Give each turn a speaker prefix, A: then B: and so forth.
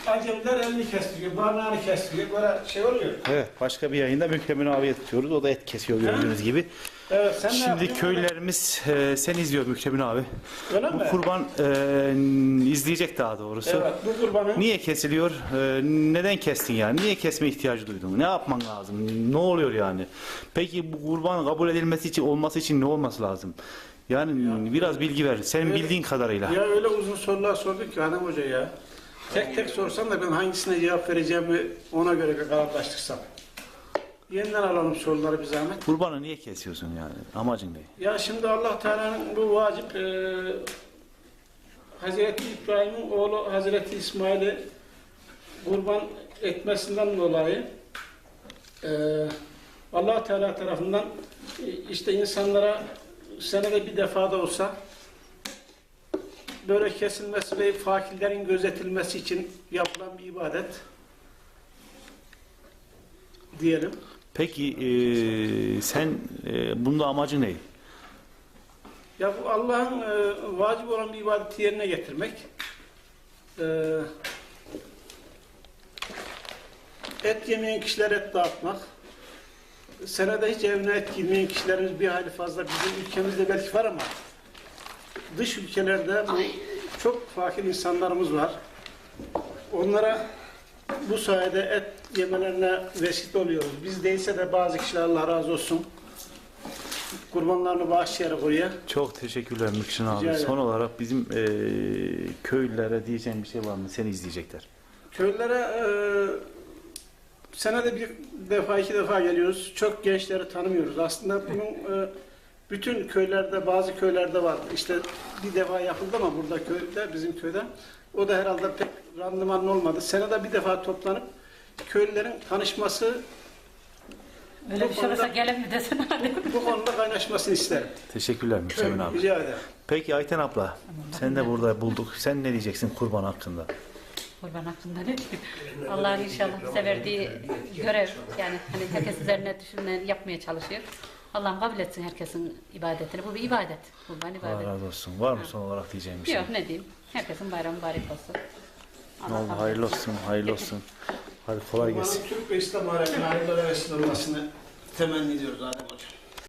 A: acemler elini kestiriyor, parmağını kestiriyor, böyle şey oluyor.
B: Evet, başka bir yayında Mükremin abiye tutuyoruz. O da et kesiyor gördüğünüz gibi.
A: Evet, sen
B: Şimdi köylerimiz sen izliyor Mükremin abi.
A: Öyle
B: Bu
A: mi?
B: kurban izleyecek daha doğrusu.
A: Evet, bu kurbanı.
B: Niye kesiliyor? Neden kestin yani? Niye kesme ihtiyacı duydun? Ne yapman lazım? Ne oluyor yani? Peki bu kurban kabul edilmesi için, olması için ne olması lazım? Yani biraz bilgi ver. Senin bildiğin kadarıyla.
A: Ya öyle uzun sorular sorduk ki Adem Hoca ya. Tek tek sorsam da ben hangisine cevap vereceğimi ona göre kararlaştırsam. Yeniden alalım soruları bir zahmet.
B: Kurbanı niye kesiyorsun yani? Amacın ne?
A: Ya şimdi Allah Teala'nın bu vacip Hazreti İbrahim'in oğlu Hazreti İsmail'i kurban etmesinden dolayı Allah Teala tarafından işte insanlara senede bir defa da olsa böyle kesilmesi ve fakirlerin gözetilmesi için yapılan bir ibadet diyelim.
B: Peki sen bunda amacı ne?
A: Ya bu Allah'ın vacip olan bir ibadeti yerine getirmek. Et yemeyen kişilere et dağıtmak. Senede hiç evine et girmeyen kişilerimiz bir hali fazla. Bizim ülkemizde belki var ama dış ülkelerde çok fakir insanlarımız var. Onlara bu sayede et yemelerine vesile oluyoruz. Biz değilse de bazı kişiler Allah razı olsun kurbanlarını bağışlayarak oraya.
B: Çok teşekkürler Mükşin abi.
A: Rica ederim.
B: Son olarak bizim köylülere diyeceğim bir şey var mı? Seni izleyecekler.
A: Köylere senede bir defa, iki defa geliyoruz. Çok gençleri tanımıyoruz. Aslında bunun bütün köylerde, bazı köylerde var. İşte bir defa yapıldı ama burada köyde, bizim köyde. O da herhalde pek randımanlı olmadı. Senede bir defa toplanıp köylülerin tanışması,
C: Öyle bir şey olursa gelin mi desene hadi.
A: bu konuda kaynaşmasını isterim.
B: Teşekkürler Mükşin abi.
A: Rica ederim.
B: Peki Ayten abla, sen de burada bulduk. Sen ne diyeceksin kurban hakkında?
C: Kurban hakkında ne diyeyim? Allah'ın inşallah bize verdiği görev, yani hani herkes üzerine düşünen yapmaya çalışıyor. Allah'ım kabul etsin herkesin ibadetini. Bu bir ibadet. Kurban
B: Allah
C: ibadet.
B: razı olsun. Var mı son olarak diyeceğim bir şey?
C: Yok ne diyeyim. Herkesin bayramı mübarek olsun.
B: Ne oldu?
C: kabul
B: Hayırlı
C: etsin.
B: olsun, hayırlı olsun. Hadi kolay gelsin.
A: Türk ve İslam aleminin hayırlara vesile olmasını temenni ediyoruz Adem Hocam.